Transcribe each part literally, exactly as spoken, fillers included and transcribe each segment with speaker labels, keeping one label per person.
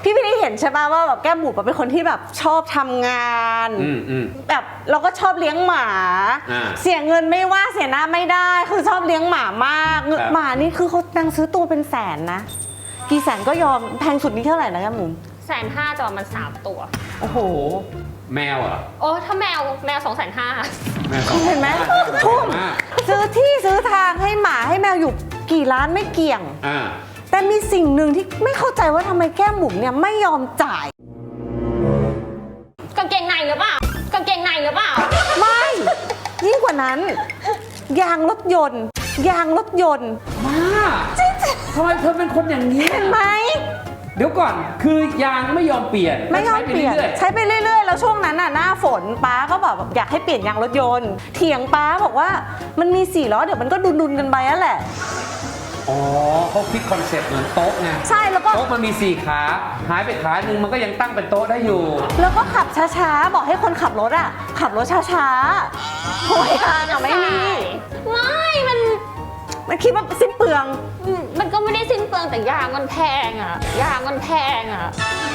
Speaker 1: พี่พี่นี่เห็นใช่ป่ะว่าแบบแก้มบุ๋มเป็นคนที่แบบชอบทำงานแบบเราก็ชอบเลี้ยงหมาเสียเงินไม่ว่าเสียหน้าไม่ได้คือชอบเลี้ยงหมามากหมานี่คือเขาตังซื้อตัวเป็นแสนนะกี่แสนก็ยอมแพงสุดนี่เท่าไหร่นะแก้มบุ๋ม
Speaker 2: แสนห้าจะประมาณสามตัว
Speaker 1: โอ้โห
Speaker 3: แมวอ่ะ
Speaker 2: โอ้ถ้าแมวแมวสองแสนห้า
Speaker 1: เห็นไหมทุ่มซื้อที่ซื้อทางให้หมาให้แมวอยู่กี่ล้านไม่เกี่ยงแต่มีสิ่งหนึ่งที่ไม่เข้าใจว่าทำไมแก้มบุ๋มเนี่ยไม่ยอมจ่าย
Speaker 2: กางเกงในหรือเปล่ากางเกงในหรือเปล่า
Speaker 1: ไม่ยิ่งกว่านั้นยางรถยนต์ยางรถยนต์
Speaker 3: มาทำไมเธอเป็นคนอย่างนี้
Speaker 1: เห็นไหม
Speaker 3: เดี๋ยวก่อนคือยางไม่ยอมเปลี่ยน
Speaker 1: ไม่ยอมเปลี่ยนใช้ไปเรื่อยๆแล้วช่วงนั้นน่ะหน้าฝนป้าก็แบบอยากให้เปลี่ยนยางรถยนต์เถียงป้าบอกว่ามันมีสี่ล้อเดี๋ยวมันก็ดุนๆกันไปนั่นแหละ
Speaker 3: อ๋อเขาคิดคอนเซ็ปต์เหมือนโต๊ะไง
Speaker 1: ใช่แล้วก็
Speaker 3: โต๊ะมันมีสี่ขาหายไปขาหนึ่งมันก็ยังตั้งเป็นโต๊ะได้อยู่
Speaker 1: แล้วก็ขับช้าๆบอกให้คนขับรถอ่ะขับรถช้าๆโอ้ยอ่ะไม่มี
Speaker 2: ไม่มัน
Speaker 1: มันคิดว่าสิ้นเปลือง
Speaker 2: มันก็ไม่ได้สิ้นเปลืองแต่ยางมันแพงอ่ะยางมันแพงอ่ะ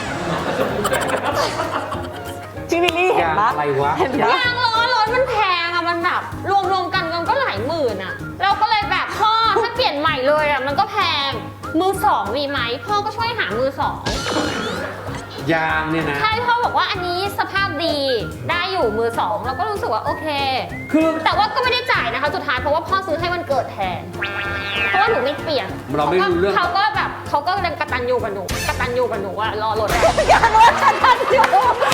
Speaker 1: พี่วิลลี่เห็นปะ
Speaker 3: อะไรวะ
Speaker 2: ยางล้อรถมันแพงอ่ะมันแบบรวมๆกันมันก็หลายหมื่นอ่ะเราก็เลยแบบพ่อถ้าเปลี่ยนใหม่เลยอ่ะมันก็แพงมือสองมีไหมพ่อก็ช่วยหามือสอง
Speaker 3: ยางเนี่ยนะ
Speaker 2: ใช่พ่อบอกว่าอันนี้สภาพดีได้อยู่มือสองเราก็รู้สึกว่าโอเค
Speaker 3: คือ
Speaker 2: แต่ว่าก็ไม่ได้จ่ายนะคะสุดท้ายเพราะว่าพ่อซื้อให้มันเกิดแทนเพราะว่าหนูไม่เปลี่ยน
Speaker 3: เราไม่รู้เรื่อง
Speaker 2: เขาก็แบบเขาก็ยังกตัญญูกับหนูกตัญญูกับหนูว่ารอรถ
Speaker 1: ยางรถกตัญญู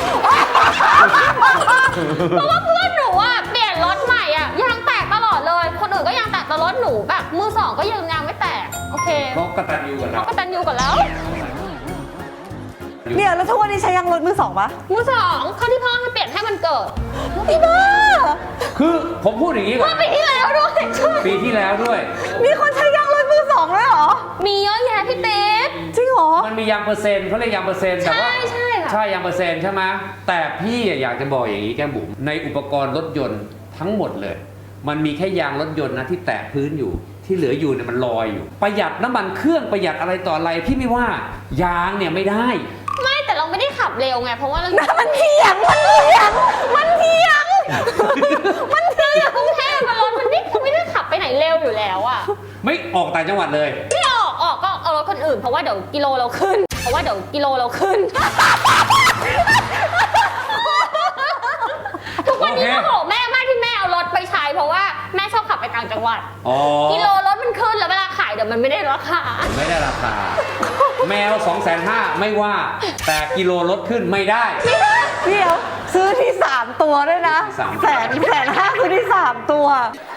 Speaker 2: เพราะว่าเพื่อนหนูอ่ะเปลี่ยนรถใหม่อ่ะยางแตกตลอดเลยคนอื่นก็ยางแตกแต่รถหนูแบบมือสองก็ยังยางไม่แตกโอเค
Speaker 3: เขากตัญญูกันแล้ว
Speaker 2: เขากตัญญูกันแล้ว
Speaker 1: เดี๋ยวแล้วทุกวันนี้ใช้ยางรถมือสองปะ
Speaker 2: มือสองเขาที่พ่อให้เปลี่ยนให้มันเกิด
Speaker 1: พี่บ้า
Speaker 3: คือผมพูดอย่างนี้ก่อน
Speaker 2: ปีที่แล้วด้วย
Speaker 3: ปีที่แล้วด้วย
Speaker 1: มีคนใช้ยางรถมือสองด้วยเหรอ
Speaker 2: มีเยอะแยะพี่เต๊ด
Speaker 1: จริงเหรอ
Speaker 3: มันมียางเปอร์เซ็นต์เขาเรียกยางเปอร์เซ็นต์แต่ว่า
Speaker 2: ใช่ใช่
Speaker 3: ใช่ยางเปอร์เซ็นต์ใช่ไหมแต่พี่อยากจะบอกอย่างนี้แก้มบุ๋มในอุปกรณ์รถยนต์ทั้งหมดเลยมันมีแค่ยางรถยนต์นะที่แตะพื้นอยู่ที่เหลืออยู่เนี่ยมันลอยอยู่ประหยัดน้ำมันเครื่องประหยัดอะไรต่ออะไรพี่ไม่ว่ายางเนี่ยไม่ได้
Speaker 2: ไม่แต่เราไม่ได้ขับเร็วไงเพราะว่าเรา
Speaker 1: มันเถียงมันเถียงมันเถียง
Speaker 2: มันเถียงกรุงเทพมันรถมันไม่ไม่ได้ขับไปไหนเร็วอยู่แล้วอ่ะ
Speaker 3: ไม่ออกต่างจังหวัดเลย
Speaker 2: ไม่ออกออกก็เอารถคนอื่นเพราะว่าเดี๋ยวกิโลเราขึ้นเพราะว่าเดี๋ยวกิโลเราขึ้นทุกวันนี้โมโหแม่มากที่แม่เอารถไปใช้เพราะว่าแม่ชอบขับไปต่างจังหวัดกิโลรถมันขึ้นแล้วเวลาขายเดี๋ยวมันไม่ได้ราคา
Speaker 3: ไม่ได้ราคาแมวสองแสนห้าไม่ว่าแต่กิโลรถขึ้นไม่ได้
Speaker 1: ไม่ได้เดี๋ยวซื้อที่สามตัวด้วยนะแสนแสนห้าซื้อที่สามตัว